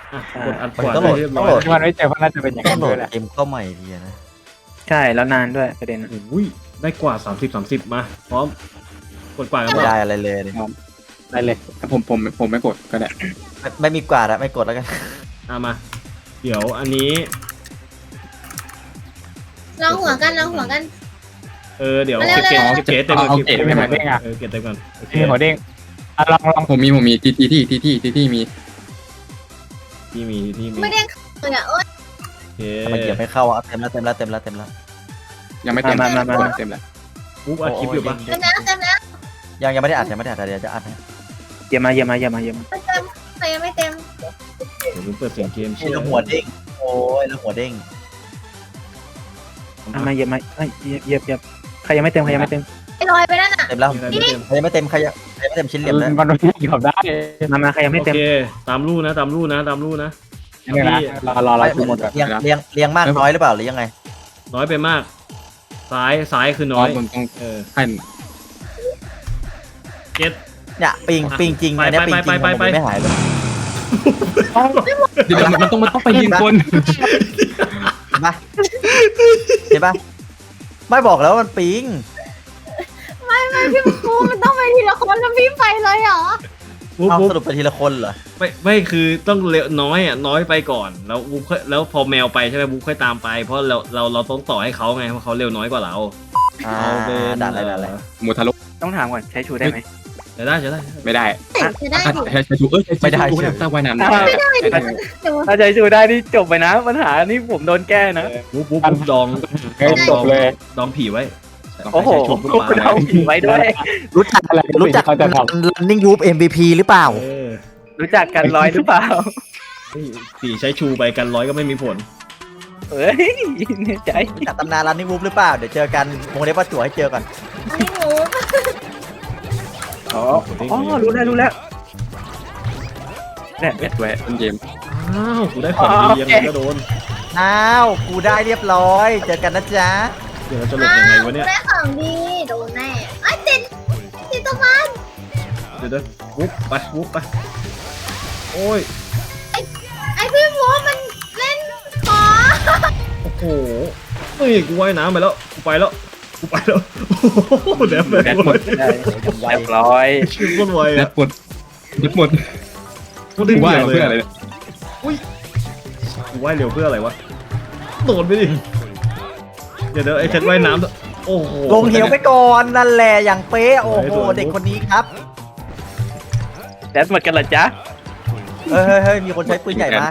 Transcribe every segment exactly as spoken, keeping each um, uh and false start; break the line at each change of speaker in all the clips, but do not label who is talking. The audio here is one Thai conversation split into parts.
อ่ะกดอัดข
มัน
วา
ต้องโหลด
เรียบ
ต้
ร้
อง
อ
โหลด
ย
มันไม่เจอเพราะน่าจะเป็นอย่าง
ต้อ
นั้
ง
น
โหล
ด้ว
ด
ยแหละ
เกมเข้าใหม่ดีนะ
ใช่แล้วนานด้วยประเด็นอะ
อุ้ยได้กว่าสามสิบสามสิบมาพร้อมกดกว่ากัน
ไม่
มา
ได้อะไรเลยเนี่ย
ได้เลย
ถ้าผมผมผมไม่กดก็ได้
ไม่ไม่มีกว่าแล้วไม่กดแล้วกัน
อ่ะมา เดี๋ยวอันนี้
ลองหัวกันลองหัวกัน
เออเดี๋ยว
มาเร็
เก็
ว
บเก็บเก็บเต็มก่อน
เอา
เก็บ
เก็บ
เต็ม
ไว้
ก่อน
ไหน
เออเก็บเต็มก่อนโอเค
ที่หัวเด้งอ่ะลองลอง
ผมมีผมมีทีทีที่ทีที่ทีที่มี
ที่มีที่มี
ไม่ได้เลยอ่ะโอ๊ย
โอเค
ทำไมเกียร์ไม่เข้าอ่ะเต็มแล้วเต็มแล้วเต็มแล้วเต็มแล้ว
ยังไม่เต็ม
มามามามา
เต็มแล้ว
ปุ๊บอัดคลิปอยู่ปะ
เต็มแล้วเต็มแล้ว
ยังยังไม่ได้อัดยังไม่ได้อัดเดี๋ยวจะอัดนะ
เยี่ยมมาเยี่ยมมาเยี่ยมมาเยี่ยมมา
ไม่เต็มใครยังไม่เต็ม
เดี๋ยวผมเปิดเสียงเกม
นี่แล้วหัวเด้งโอ้ยแล้วหัวเด้ง
อ่ะมาเยี่ยมมาเอ้ยเยี่ยมเยี่ยมเยี่ยมใครยังไม่เต็มใครยังไม่เต็ม
ไอ้ลอยไปนั่นอ่ะ
เต็มแล้ว
มีอะไรไม่เต็ม
ใครยังไม่เต็มใครยังใครยังไม่เต็มชิ้นเหลี่ยมนะ
มันไม่เกี่ยวได้
มามาใครยังไม่
โอ
เต็ม
เคตามรูนะตามรูนะตามรูนะ
เนี่ยนะรอรอรอทุกหมดก่อน
เรียงเรียงเรียงมากน้อยหรือเปล่าหรือยังไง
น้อยไปมาก ซ้ายซ้ายคือน้อย
ผมต้อง
เออ
ให้
เก็ต
เนี่ยปิงปิงจริง
ไป
อันเนี้ย
ไป
ปิงจริง
ไป
มัน
ไป
ไม่หายเลย
เดี๋ยวมันต้องมันต้องไปยิงคน
เห็นปะเห็นปะไม่บอกแล้วมันปิง
ไม่ไม่พี่ปูมันต้องไปทีละคนแล้วพี่ไปเลยเหรอ
ปุ๊บ
เอา
ปุ๊บ
สรุปไปทีละคนเหรอ
ไม่ไม่คือต้องเร็วน้อยอ่ะน้อยไปก่อนแล้วบุ๊คค่อยแล้วพอแมวไปใช่ไหมบุ๊คค่อยตามไปเพราะเราเราเราต้องต่อให้เขาไงเพราะเขาเร็วน้อยกว่าเรา
อ่า
เอาเป็น
ด่านอะไรด่านอะไร
หมูทะลุ
ต้องถามก่อนใช้ชูได้ไหม
จะได้จะได้
ไม่ได้
จะได้
อ่ะ
อยู่
ใช้ใช้ถูกเอ้ยใช้ใช้ถูกตั้งไว้นานไม่ได้
อยู่
ถ้าใช้ชูได้นี่จบไปนะปัญหานี่ผมโดนแก้นะ
บุ๊บบุ๊บบุ๊บดอง
เฮ้ยจบเลย
ดองผีไว้
โอ้โห
ใช้ชุบ
คุณเอาผีไว้ด้วย
รู้จัก
อะไร
รู้จัก
เขาจะท
running group เอ็ม วี พี หรือเปล่า
เออ
รู้จักกันร้อยหรือเปล่า
เฮ้ยผีใช้ชูไปกันร้อยก็ไม่มีผล
เฮ้ยในใจ
รู้จักตำนาน running group หรือเปล่าเดี๋ยวเจอกันวงเล็บว่าจั่วให้เจอก่อน
อันนี้หนู
อ๋ออ๋อรู้แล้วรู้แล้วเนี่ย
เอ็ดแวะต้นเกม
อ้าวกูได้ของดียังไงก็โดน
อ้าวกูได้เรียบร้อยเจอกันนะจ๊ะ
เดี๋ยวเราจะหลบยังไงวะเนี่ย
ได้ของดีโดนแน่ไอ้ติดติดตรงนั้น
เดี๋ยวเดี๋ยวบุ๊บไปบุ๊บไปโอ้ย
ไอ้พี่ปูมันเล่นขอ
โอ้โหเฮ้ยกูว่ายน้ำไปแล้วกูไปแล้วกูไปแล้วโอ้โหแดบแบ
แด
บ
ดหมด
ได้เรียบร้อย
ชื่อคนไว
แด
อ่ะ
ดหมดแดดหมด
กูได้
กูว่า
เบียดเล
เพื่อย อะไร
อะ กูว่ายเร็วเพื่ออะไรวะ โดดไปดิ เดี๋ยวเดี๋ยวไอ้เช็ดว่ายน้ำโอ้โห
ลงเหวไปก่อนนั่นแหละอย่างเป๊ะโอ้โหเด็กคนนี้ครับ
แดดหมดกันเหรอจ๊ะ
เฮ้ยเฮ้ยเฮ้ยมีคนใช้ปืนใหญ่มา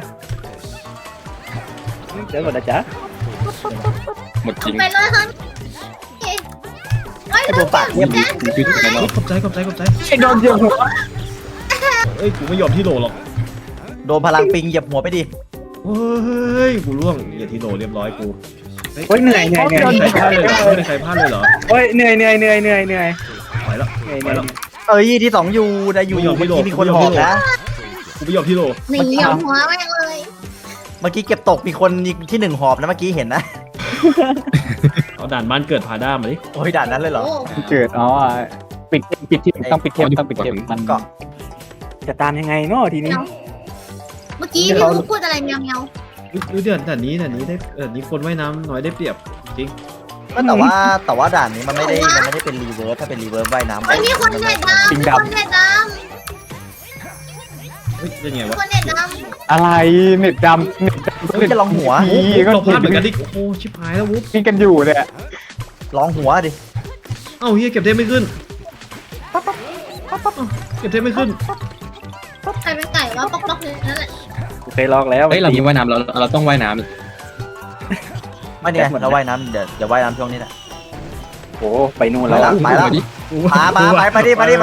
แดดหมดนะจ๊ะ
หมดจริง
ไปเลยครับไอ้
ไอ้ตัวปากเทียบ
แจ๊ค
คือที่ไหน
เฮ้
เนาะ
ยขอบใจขอบใจขอบใจ
ไอ้โดนเยอะหัว
เอ้ย กูไม่ยอมที่โหลหรอก
โดนพลังปิงเหยียบหัวไปดิ
เฮ้ย กูล่วงอย่าที่โหลเรียบร้อยกู
โอ้ยเหนื่อยเหนื่อยเหนื่อย
ไม่ใครพลาดเลยเหรอไม่ได้ใครพลาดเลยเหรอ
โอ้ยเหนื่อยเหนื่อยเหนื่อยเหนื่อยเหนื่อย
ไปแล้ว
เหนื่อยเห
ไป
นื่อย
แล้ว
เอ้ยที่สองอยู่ได้อยู่
ไม่ยอม
เมื่อ
ไม่
กี้
โดน
มีคน
ไม่
ห
ย
อ
อม
กนะ
กูไม่ยอมที่โหล
หนีเอาหัวแม่งเลย
เมื่อกี้เก็บตกมีคนที่หนึ่งหอบนะเมื่อกี้เห็นนะ
เอาด่านบ้านเกิดพาด้ามาดิ
โอ้ยด่านนั้นเลยเหรอ
โอ้
ำเกิดอ๋อปิดปิดที่ต้องปิดเทปต้องปิดเทปมัน
ก็
จะตามยังไงเนาะทีนี้
เมื่อกี้พี่ปูพูดอะไรเมียวเมียว
ดูเดือนด่านนี้ด่านนี้ได้ด่านนี้คนว่ายน้ำน้อยได้เปรียบจริง
ก็แต่ว่าแต่ว่าด่านนี้มันไม่ได้มันไม่ได้เป็นรีเวิร์สถ้าเป็นรีเวิร์สว่ายน้ำ
ไอ้นี่คนเน็ตดำคนเน็ตด
เฮ้ยยังไง
ำ
วะ
คนเน็ตด
อะไรเน็ตดำเน็ตดำ
เฮ้ยจะลองหัว
พีก็
เราพลาดเหมือนกันดิโอ้โหชิบหายแล้ววุ๊บ
กินกันอยู่เนี่ย
ลองหัวดิ
เอ้าเฮียเก็บเทปไม่ขึ้นเก็บเทปไม่ขึ้น
ำใครเป็นไก่วะป๊อกป๊อกเลยนั่นแหละ
กูเคยลอกแล้ว
เฮ้ยเรามีว่ายน้ำเราเราต้องว่ายน้
ไม่เนี่ยเราว่ายน้ำเดี๋ยวเดี๋ยวว่ายน้ำช่วงนี้แหละ
โอ้ไปนู่น
ำ
แล้ว
ไปแล้ว
ดิ
มามาไปไปดิไปดิไป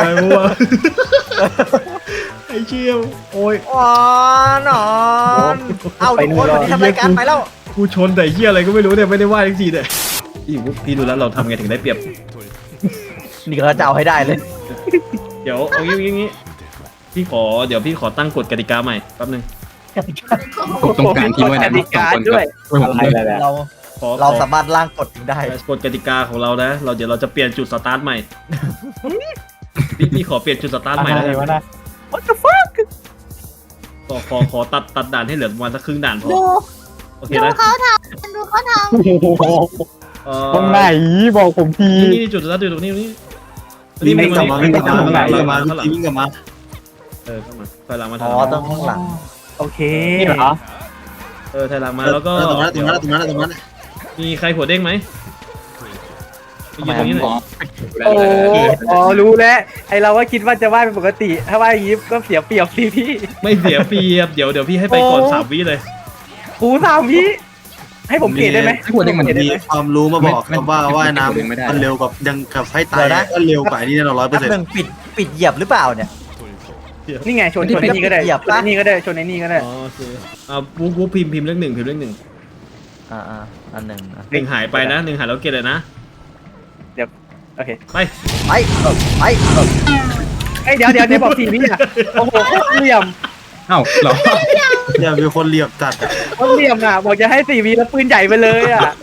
ไอ้เชี่ยวโอ้ย
ว้านอนเอาทุกคนวันนี้ทำรายการไปแล้ว
กูชนแต่เฮียอะไรก็ไม่รู้เนี่ยไม่ได้ว่าจริงๆเนี่ยพี่วุ๊บพี่ดูแล้วเราทำไงถึงได้เปรียบ
นี่ก็จะเอาให้ได้เลย
เดี๋ยวเอางี้งี้งี้พี่ขอเดี๋ยวพี่ขอตั้งกฎกติกาใหม่แป๊บนึง
ผมต้องการที่ว่ายน้ำสองคนครับช่วยผม
อะไร
ด้วย
อะไร
เรา
ขอ
เรา
ขอ
สามารถร่างกฎได้
กฎกติกาของเรานะ เราเดี๋ยวเราจะเปลี่ยนจุดสตาร์ทใหม่ พี่พี่ขอเปลี่ยนจุดสตาร์ทใหม่
อะไร
แล้ว
วะ
กัน
นะ
What the fuck
ขอขอขอตัดตัดด่านให้เหลือประมาณสักครึ่งด่านพอ
ดู
โอเค
ดู
นะ
เขาทำดูเขาท
โอ้โห
เอ่อ
ตรงไหนบอกผมที
นี่นี่จุดแล้วจุดตรงนี้ตรงนี้
วิ่งกลับมาวิ่งกลับมา
ข้างหลัง
วิ่งกลับมา
ข้างหลัง
วิ่งกลับมา
เออเข้ามาถอยหลังมาถ
อ๋
อ
อย
หลัง
ต้องข้างหลัง
โอเค
นี่เหรอ
เออถอยหลังมาแล้วก็
ตรงนั้นตรงนั้นตรงนั้นตรงนั้น
มีใครหัวเด้งไหมมียืนตรงนี้หน่อย
โอ้อ๋อรู้แล้วไอเราว่าคิดว่าจะว่ายเป็นปกติ ถ้าว่ายอย่างนี้ก็เสียเปรียบสิพี่
ไม่เสียเปรียบเดี๋ยวเดี๋ยวพี่ให้ไปก่อน
โอ้
สามวิเลย
หูสามวิให้ผมเกรดได้ไหม
ให้หัวเด้งมัน
เกรดได้
มี
ไหม
ความรู้มาบอก
ไม่
ครับว่าว่ายน้
ไม่ได้
ำมันเร็วกับยังกับให้ตายก็เร็วกว่านี่แน่นอนร้อยเปอร์แป๊บเซ็นนึต์งปิดปิดเหยียบหรือเปล่าเนี่ย
นี่ไงชนชนไอ้นี่ก็ได้
เหยียบ
ชน
ปะ
ไอ้นี่ก็ได้ชนไอ้นี่ก็ได้
อ๋อโอเคอ่าวูบวูบพิมพ์พิมพ์เลขหนึ่งพิมพ์เลขหนึ่ง
อ่าอ่าอันหนึ่งอ่ะ
หนึ่งหายไปนะหนึ่งหายแล้วเกตเลยนะ
โอเค
ไป
ไปเออไปเออ
ไอยเดี๋ยวเดี๋ยวเดี๋ยวบอกสี่วิอ่ะโอ้โหโคตรเหลี่ยม
เอ้าเหรอ
เนี่ยมีคนเหลียบจัดอะ
โคตรเหลี่ยมอ่ะบอกจะให้สี่วิแล้วปืนใหญ่ไปเลยอ่ะ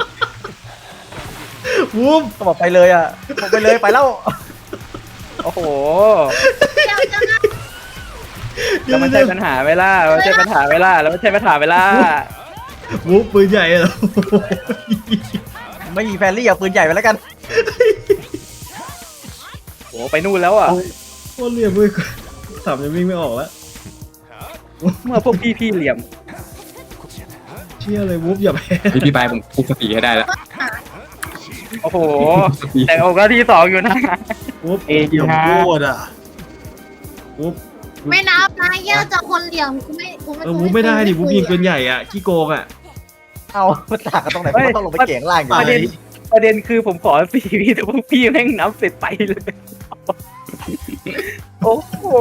วูบ
ก็บอกไปเลยอ่ะบอกไปเลยไปแล้ว
โอ้โห
ำเดี๋ยวจะนะ
แล้วมันใช่ปัญหาเวลามันใช่ปัญหาเวลาแล้วมันใช่ปัญหาเวลา
วูบปืนใหญ่เหรอ
ไม่มีแฟนรี่เอาปืนใหญ่ไปแล้วกัน
โอ้ไปนู่นแล้วอ่ะ
โคตรเหลี่ยมเลยสามยังวิ่งไม่ออกแล้ว
เมื่อพวกพี่พี่เหลี่ยม
เชี่ยเลยวูบอย่าแพ้
พี่พี่บายผมคุกสติให้ได้แล้ว
โอ้โห
สติ
แต่โอกาสที่สองอยู่นะ
วูบ
เอ
เหลี่ยม
ฮะ
โคตรอ่ะ
วูบ
ไม่นับนะเยอะจากคนเหลี่ยมกูไม่กูไม่
เออวูบไม่ได้ดิวูบยิงปืนใหญ่อ่ะขี้โกงอ่ะ
เอามันต่างกันตรงไหนผมต้องลงไปเกี่ยงล่างอยู่
ประเด็นประเด็นคือผมขอสี่วิแต่พวกพี่แม่งนับเสร็จไปเลย โอ้โห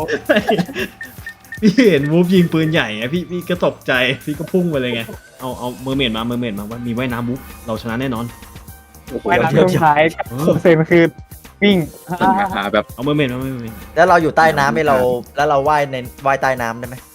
พี่เห็นวูบยิงปืนใหญ่ไงพี่พี่ก็ตกใจพี่ก็พุ่งไปเลยไงเอาเอาเมอร์เมดมาเมอร์เมดมาว่ามีว่ายน้ำวูบเราชนะแน่นอน
ไม่รับช่วงท้ายหกเซนคือวิ่ง
ปัญหาแบบ
เอาเมอร์เมดมาเมอร์เมด
แล้วเราอยู่ใต้น้ำไหมเราแล้วเราว่ายในว่ายใต้น้ำได้ไหม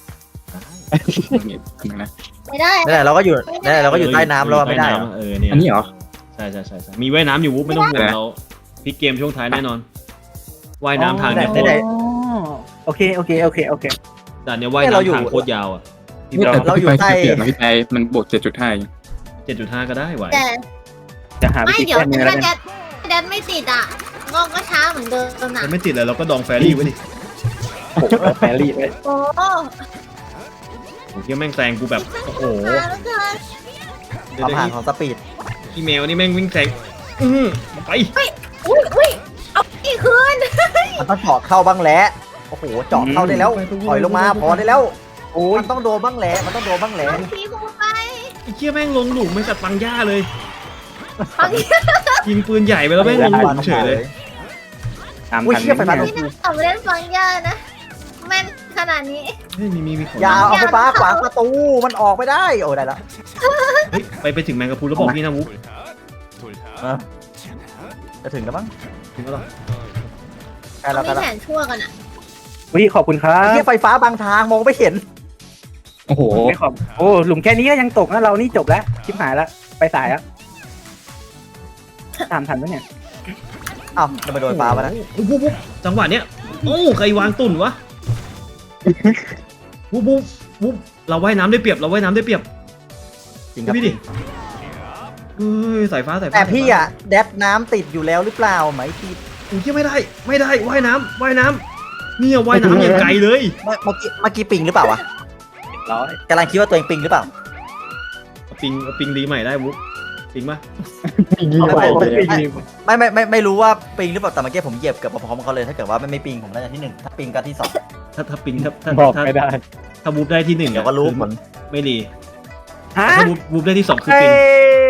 นะ
ไม่ได้
นั่นแหละเราก็อยู่นั่นแหละเราก็อยู่ใต้น้ำเราไม่ได้เหรอ
เออเนี่ย
อันนี้เหรอ
ใช่ใช่ใช่ใช่มีว่ายน้ำอยู่วูบไม่ต้องห่วงเราพลิกเกมช่วงท้ายแน่นอนว่ายน้ำทางเนี่ยโคตร
โอเคโอเคโอเคโอเค
ด่านเนี้ยว่ายน้ำทางโคตรยาวอ่ะ
นี่แต่เราอยู่ใต้เปลี่ยนนะพี่บายมันบวกเจ็ดจุดห้า
เจ็ดจุดห้าก็ได้ไหว
แต่
จะหาวิ
ไม่
ธี
เดี๋ยว
แก้มือแล้ว
ถ้า
กัน
แดดแดดไม่ติดอ่ะก็ก็ช้าเหมือนเดิมนะ
ถ้าไม่ติดเลยเราก็ดองแฟรี่ไว้ดิ
โอ้โหแฟรี่เลย
โอ้
โอ้ยแม่งแซงกูแบบโอ้โห
ช้าแล้วเกิน
เดี๋ยว
ความ
เดี๋ยว
ห่างของสปีด
อีเมลนี่แม่งวิ่งแซงอือไป
อุ้ยอุ้ยเอาอีกคืน
มันต้องเจาะเข้าบ้างแหละโอ้โหเจาะเข้าได้แล้วถอยลงมาพอได้แล้ว
โอ้ย
มันต้องโดนบ้างแหละมันต้องโดนบ้างแหละ
เอาทีพูไป
ไอ้เชี่ยแม่งลงหลุมไม่กัดปังย่าเลย
ฟัง
ยิงปืนใหญ่ไปแล้วแม่งลงหลุมเฉยเลย
ตาม
อุ้ย
ทัน
เชี่ยไฟฟ้า
นี่น่าเอาเล่นฟังยากนะแม่นขนาดนี้
เฮ้ยมีมีมีของ
อย่าเอาไฟฟ้าขวางประตูมันออกไม่ได้โอ้ได้แล้ว
เฮ้ยไปไปถึงแมงกะพรุนแล้วบอกพี่นะวุ๊บ
จะถึงแล้วมั้ง
ถึงแล้วเหรอ
ใกล้แล้วใกล้
เขา
แล้ว
มีแผนชั่วกันอ่ะ
วิขอบคุณครั
ไอ้
บ
เชี่ยไฟฟ้าบางทางมองไม่เห็น
โอ้โห
ไม่ขอบโอ้หลุมแค่นี้ก็ยังตกนะเรานี่จบแล้วชิบหายแล้วไปสายแล้วตามทันปะเนี่ย
อ้าวจะไปโดนฟ้ามานะ
วุ๊บวุ๊บวุ๊บจังหวะเนี้ยโอ้ใครวางตุ่นวะวุ๊บวุ๊บวุ๊บเราว่ายน้ำได้เปรียบเราว่ายน้ำได้เปรียบ
จริงครับ
พี่ดิเฮ้ยสายฟ้าสายฟ้า
แต่พี่อ่ะแดดน้ำติดอยู่แล้วหรือเปล่าไหมพี่
อุ้ยไม่ได้ไม่ได้ว่ายน้ำว่ายน้ำเนี่ยว่ายน้ำอย่างไกลเลย
เมื่อเมื่อกี้เมื่อกี้ปิงหรือเปล่าวะ
ร้อย
กำลังคิดว่าตัวเองปิงหรือเปล่า
เอาปิงเอาปิงรีใหม่ได้วุ๊บปิงปะ
วิ่งไปเลย
ไม่ไม่ไม่ไม่รู้ว่าปิงหรือเปล่าแต่เมื่อกี้ผมเหยียบเกือบพร้อมๆเขาเลยถ้าเกิดว่าไม่ไม่ปิงผมน่าจะที่หนึ่งถ้าปิงก็ที่สอง
ถ้าถ้าปิงถ้าถ้า
บอก
ถ้า
ไม่ได้
ถ้าวุ๊บได้ที่หนึ่ง
เดี๋ยวก็รู้ผล
ไม่รี
ฮะ
แต่ถ้าวุ๊บวุ๊บได้ที่สองคือ
เอ้
ปิง
ย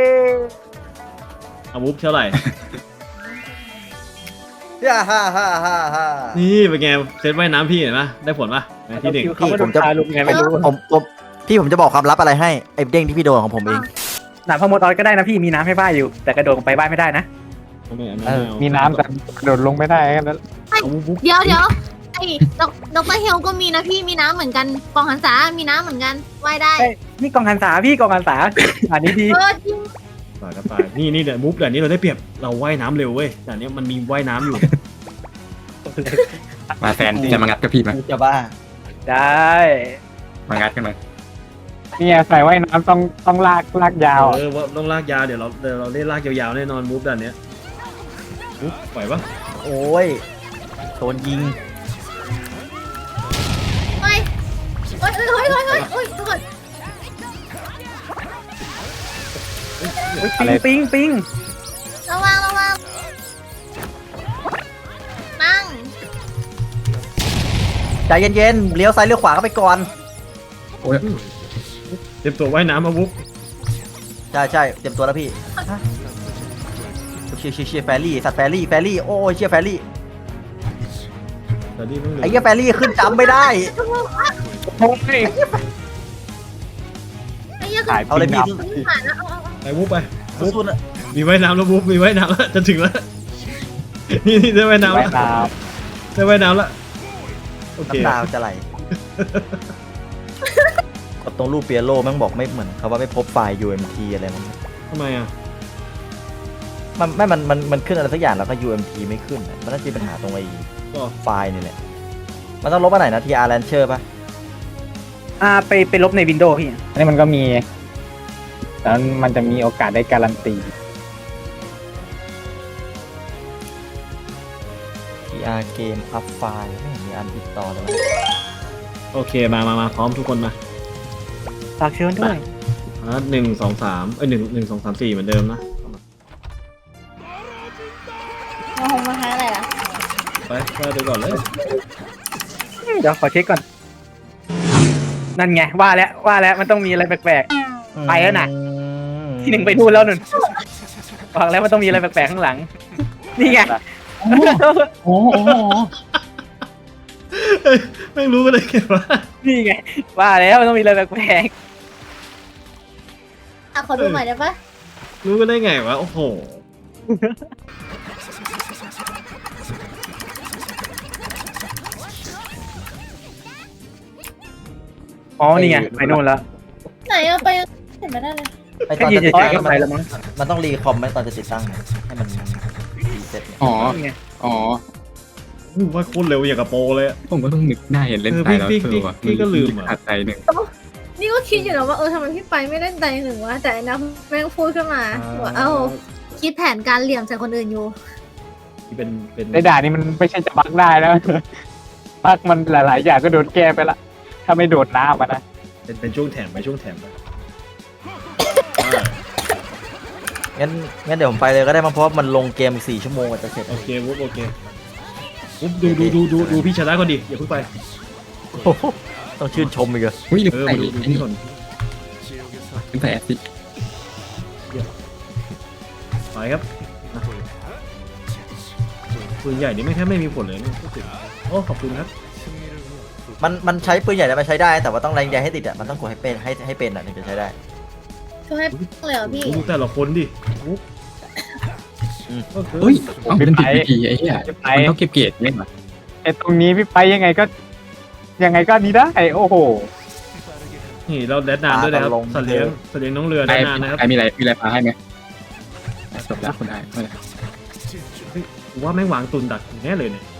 เอาวุ๊บเท่าไหร่
ฮ่าฮ่าฮ่าฮ่าฮ่า
นี่เป็นไงเซตว่ายน้ำพี่เห็นปะได้ผลปะที่หนึ่ง
เขาไม่โดนพาลุงไงไม่รู้
ผมผมพี่ผมจะบอกความลับอะไรให้ไอ้เด้งที่พี่โดนของผมเอง
หนาพมดออยก็ได้นะพี่มีน้ำให้บ้ายอยู่ แต่กระโดดลงไปบ้ายไม่ได้นะ
เอาไม่เอาไม่
เออ
เอา
มีน้ำแต่กระโดดลงไม่ได้แค่นั้น
เอาวุ๊บวุ๊บ
เดี๋ยวเดี๋ยวไอ้ดอกดรเฮลก็มีนะพี่มีน้ำเหมือนกันกองหันษามีน้ำเหมือนกันว่ายได้
ใช่ นี่กองหันษาพี่กองหันษาอันนี้ดี
เออจริง
ตายก็ตายนี่นี่เดี๋ยวมุฟเดี๋ยวนี้เราได้เปรียบเราว่ายน้ำเร็วเว้ยแต่เนี้ยมันมีว่ายน้ำอยู่
มาแฟนจะมางัดกับพี่ไหม
จะบ้า
ได้
มางัดกันมา
เนี่ยใส่ว่ายน้ำต้องต้องลากลากยาวอะ
เออว่าต้องลากยาวเดี๋ยวเราเดี๋ยวเราเล่นลากยาวๆแน่นอนมูฟด้านเนี้ยอุ๊บปล่อยปะ
โอ้ยโดนยิง
เฮ้ยเฮ้ยเฮ้ยเฮ้ยเฮ้ยเฮ้ยทุกคน
ปิงปิงปิง
ระวังระวังนั่ง
ใจเย็นๆเลี้ยวซ้ายเลี้ยวขวาก็ไปก่อน
โอ้ย
เตรียมตัวว่ายน้ำมาบุ๊บ
ใช่ใช่เตรียมตัวแล้วพี่ฮะเชียร์เชียร์เชียร์แฟรี่สัตว์แฟรี่แฟรี่โอ้ยเชียร์แฟรี่
แต่นี่ต้องเหลื
ไอ้เหี้ยแฟรี่ขึ้นจำไม่ได้
โอ้ย
ไอ้เหี้ย
ถ่าย
เอาเลยพี่
ปิง
ผ่านแล้วเอาเอาเอา
ไปบุ๊บไปบุ๊บ
สู้ๆนะ
มีว่ายน้ำแล้วบุ๊บมีว่ายน้ำแล้วจะถึงแล้วนี่นี่ได้ว่ายน้ำ
ว่าย
แล้ว
น้
ได้ว่ายน้ำแล้วโอเค
น้ำตาจะไหลกดตรงรูปเปียโลแม่งบอกไม่เหมือนเขาว่าไม่พบไฟล์ ยู เอ็ม ที อะไรมัน
ทำไมอ่ะ
มันไม่มันมันมันขึ้นอะไรสักอย่างแล้วก็ ยู เอ็ม ที ไม่ขึ้นอะมันน่าจะมีปัญหาตรงไอ้
ก็
ไฟล์นี่แหละมันต้องลบอันไหนนะ ที อาร์ Launcher ป่ะ
อ่าไปไปลบในวินโดว์พี่
ำอันนี้มันก็มีแล้วมันจะมีโอกาสได้การันตี
ที อาร์ Game Up File ไม่เห็นมีอันติดต่อเลยวะ
โอเคมามามาพร้อมทุกคนมา
ฝากเชิญด้วย
อ่ะหนึ่งสองสามเอ้ยหนึ่งหนึ่งสองสามสี่เหมือนเดิมนะ
เอาหงมาหาอะไรล่ะ
ไปไปไปก่อนเลย
เดี๋ยวขอเช็คก่อน นั่นไงว่าแล้วว่าแล้วมันต้องมีอะไรแปลก ไปแล้วน่ะ ๆที่หนึ่งไปนู่นแล้วนุ่นบอกแล้วมันต้องมีอะไรแปลกๆข้างหลัง นี่ไง
โอ้โห
เอ้ยไม่รู้กันเลยแกว่า
นี่ไงว่าแล้วมันต้องมีอะไรแปลก
อ่ะขอดูหน่อยได้ปะ
รู้กันได้ไงวะโอ้โห
ๆอ๋อนี่ไงไปนู่นแล้ว
ไหนอะไปเห็นไม่ได้เลย
ไอต
แค่
อน
ยืน
จะ
เฉ
ติด
ยๆก็
ตั้ง
ไปแล้วมั้ง
มันต้องรีคอมไหมตอนจะติดตั้งเนี่ยให้มันรีเซ็ตเนี่ย
อ๋อ
นี่ไง
อ๋อ
อู้ว่าโคตรเร็วอย่างกับโปรเลยอะ
ผมก็ต้องนึกได้เล่น
เออ
ตายแล้ว
พี่
เอ
พี่
อว่ะ
พี่ก็ลืมอ่ะ
ขาดใจหนึ่ง
นี่ก็คิดอยู่นะว่าเออทำไมพี่ไปไม่เล่นใจหนึ่งวะแต่ไอ้นับแม่งพูดขึ้นมาว่าเอ้าคิดแผนการเหลี่ยมใส่คนอื่นอยู่
ที่เป็นเป็น
ในด่านนี้มันไม่ใช่จะบักได้แล้วบักมันหลาย ๆ อย่างก็โดนแก้ไปละถ้าไม่โดดน้ำมานะ
เป็นเป็นช่วงแถมไปช่วงแถมไป
งั้นงั้นเดี๋ยวผมไปเลยก็ได้มั้งเพราะว่ามันลงเกมอีกสี่ชั่วโมงกว่าจะเสร็จ
โอเควุ๊บโอเควุ๊บดูดูดูดูดูพี่ชนะก่อนดิอย่าเพิ่งไป
โอ้โหต้องชื่นชมอีกเหรอ
อุ้ยลืม
เออ
ใส่
มาดู
ไอ้
ดู
นี่
พี่ก่อน
ลืมใส่แอสซิ
ไปครับอ่ะปืนใหญ่นี่ไม่แค่ไม่มีผลเลยนะโอ้ขอบคุณครับ
มันมันใช้ปืนใหญ่แล้วมันใช้ได้ แต่ว่าต้องแรงใหญ่ให้ติดอ่ะมันต้องกดให้เป็นให้ให้เป็นอ่ะถึงจะใช้ได้
ช่วยให้เลยเหรอพี่
ดูแต่ละคนดิวุ๊บ
อืม
ก็คือ
เฮ้ยเอ้าเป็นติดดีไอ้เหี้ยมันต้องเก็บเกรดเนี่ยเหรอ
ไอ้ตรงนี้พี่ไปยังไงก็ ยังไงก็นี้ได้โอ้โห
นี่เราแดดนานด้วยนะครับสัตว์เลี้ยงสัตว์เลี้ยงน้องเรือแด
ไอ้
ดนานนะครับ
ไอ้มีอะไรมีอะไรพาให้ไหมจบแล้วคนได้ไม่เป็นไร
กูว่าแม่งวางตุนดักแน่เลยเนี่ย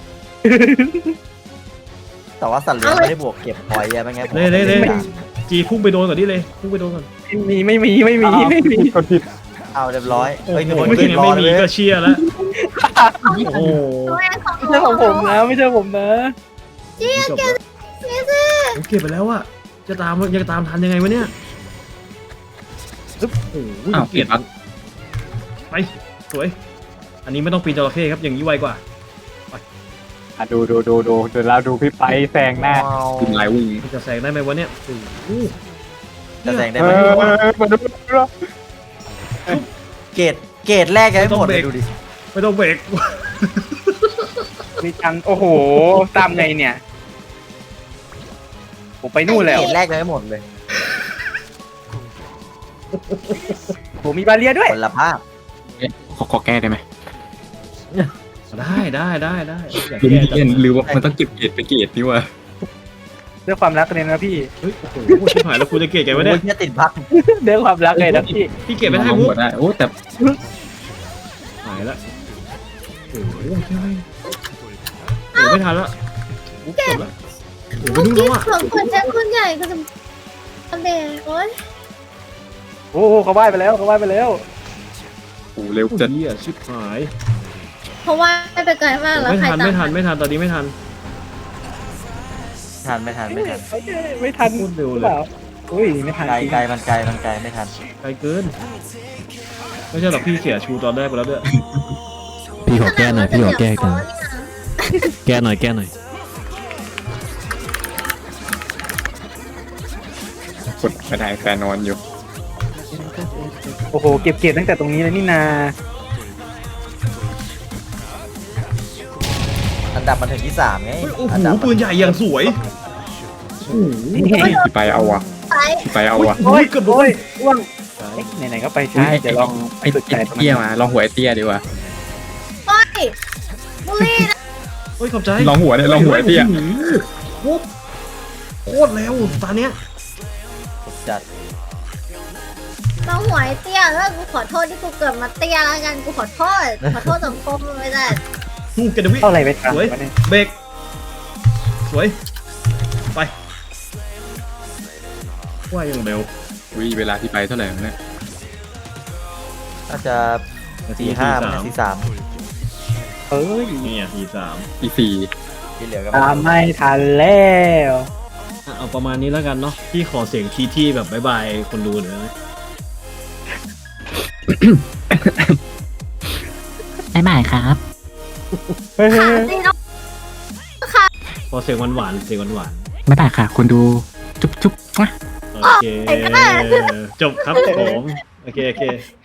แต่ว่าสัตว์เลี้ยงไม่ได้บวกเก็บพอยต์อะไม่งั้นผม
เล่เล่เล่
ไม่ได้
จีพุ่งไปโดนก่อนดิเลยพุ่งไปโดนก่อน
ไม่มีไม่มีไม่มีไม่มี
กดผิด
เอาเรียบร้อย
โอ้
เฮ้ยมี
โห
คน
ไม่
ขึ้นรอ
ไม่
เล
มี
ย
ก็เชียร์แล้วโอ้โห
ช่วยให้เขา
ไม่ใช่ของผมนะไม่ใช่ผมนะ
จบแล้วผมเก็บไปแล้วอะจะตามจะตามทันยังไงวะเนี่ยปึ๊บโอ้โห
อ้าวเปลี่ยนบัก
ไปสวย อันนี้ไม่ต้องปีนจระเข้ครับอย่างนี้ไวกว่า
อ่ะดูดูดูดูเดี๋ยวเราดูพี่ไปแซงหน้า
ว้าว
คุณลายวิ่ง
มันจะแซงได้ไหมวะเนี่ยโอ้โห
จะแซงได้
เอ
ไหม
อมาดูดูดู
เกรดเกรดแรกยังไม่หมดเลยดูดิ
ไม่ต้องเบรก
มีจังโอ้โหตามไงเนี่ยผมไปนู่นแล้ว
เกรดแรกยังไม่หมดเลย
ผมมีบาเรียด้วย
คนละภาพ
ขอขอแก้ได้ไหม
ได้ได้ได้ได้อยาก
ลืม
แก้
เล่นหรือว่ามันต้องเก็บเกรดไปเกรดนี่วะ
ด้วยความรักเลยนะพี่
เฮ้ยโอ้โหชิบหายแล้วกูจะเกลียดแกวะ
โอ้
เนี่ย
ยเนี่ยติดพัก
ด้วยความรักเลยนะพี่
พี่เก็บไม่ได้
มอง
มุก
หัวได้โอ้แต่
หายละโอ้โหใช่โอ้โหไม่ทันละมุกจบละโอ้โหไป
เมื่อ
นู่น
กี้
แล้วอะ
เผื่อเปิดแจ้งคนใหญ่ก็จะเด็กโอ๊ย
โอ้โหเขาว่ายไปแล้วเขาว่ายไปแล้ว
โอ้เร็วจัด
เหี้ยชิบหาย
เพราะว่าไปไกลมากแล้ว
ไม่
ใคร
ทัน
ตาม
ไม่ทันไม่ทันตอนนี้ไม่ทัน
ทันไม่ทันไม่ทัน
ไม่ทัน
พูดเร็วเลย
ปล่าอุ้ยไม่ทัน
ไกล
จริง
ไกลมันไกลมันไกลไม่ทัน
ไกลเกินไม่ใช่หรอกพี่เสียชูตอนแรกไปแล้วด้วย
พี่ขอแก้หน่อยพี่ขอแก้
กั
กัน นแก้หน่อยแก้หน่อย
กดไม่ได้แฟนนอนอยู่
โอ้โหเก็บเกรดตั้งแต่ตรงนี้เลยนี่นา
อันดับมันถึงที่สามไง
เฮ้ยโอ้โห
อันดับ
ปืนใหญ่อย่างสวยโอ้โห
พี่ไปเอาวะ
ไป
พี่ไปเอาวะ
โอ้ย
เกือบโด
โอ้
น
ยอ้วงเอ๊ะไหนๆก็ไปใช่เดี๋ยวลอง
ไอ้ไอ้เตี้ยมาลองหัวไอ้เตี้ยดีกว่า
ไปบุรีนะ
เฮ้ยขอบใจ
ลองหัวเนี่ยลองหัวไอ้เตี้ย
โอ้โหโคตรเร็วตอนเนี้ย
จัด
เราหวยเตี้ยแล้วกูขอโทษที่กูเกิดมาเตี้ยแล้วกันกูขอโทษขอโทษสังคมไม่ได้
ฮูกกันดวิ
เข้าอะไรไปทัน
สวย
วะเนี่ย
เบรกสวยไปว่ายังเร็ว
อุ้ยเวลาที่ไปเท่าไหร่วะเนี่ย
น่าจะสี่ห้ามันสี่สาม
เอ้ย
นี่อ่ะทีสาม
อีสี่
ที่เหลือก็
ตามไม่ทันแล้ว
อ่ะเอาประมาณนี้แล้วกันเนาะพี่ขอเสียงทีที่แบบบายบายคนดูหน่อยนะ
บ๊ายบายครับ
เฮ้ย
ขาตีน้อง
ขอเสียงหวานๆเสียงหวาน
บ๊ายบายค่ะคุณดูจุ๊บจุ๊บ
ๆโอเคจบครับผมโอเคโอเค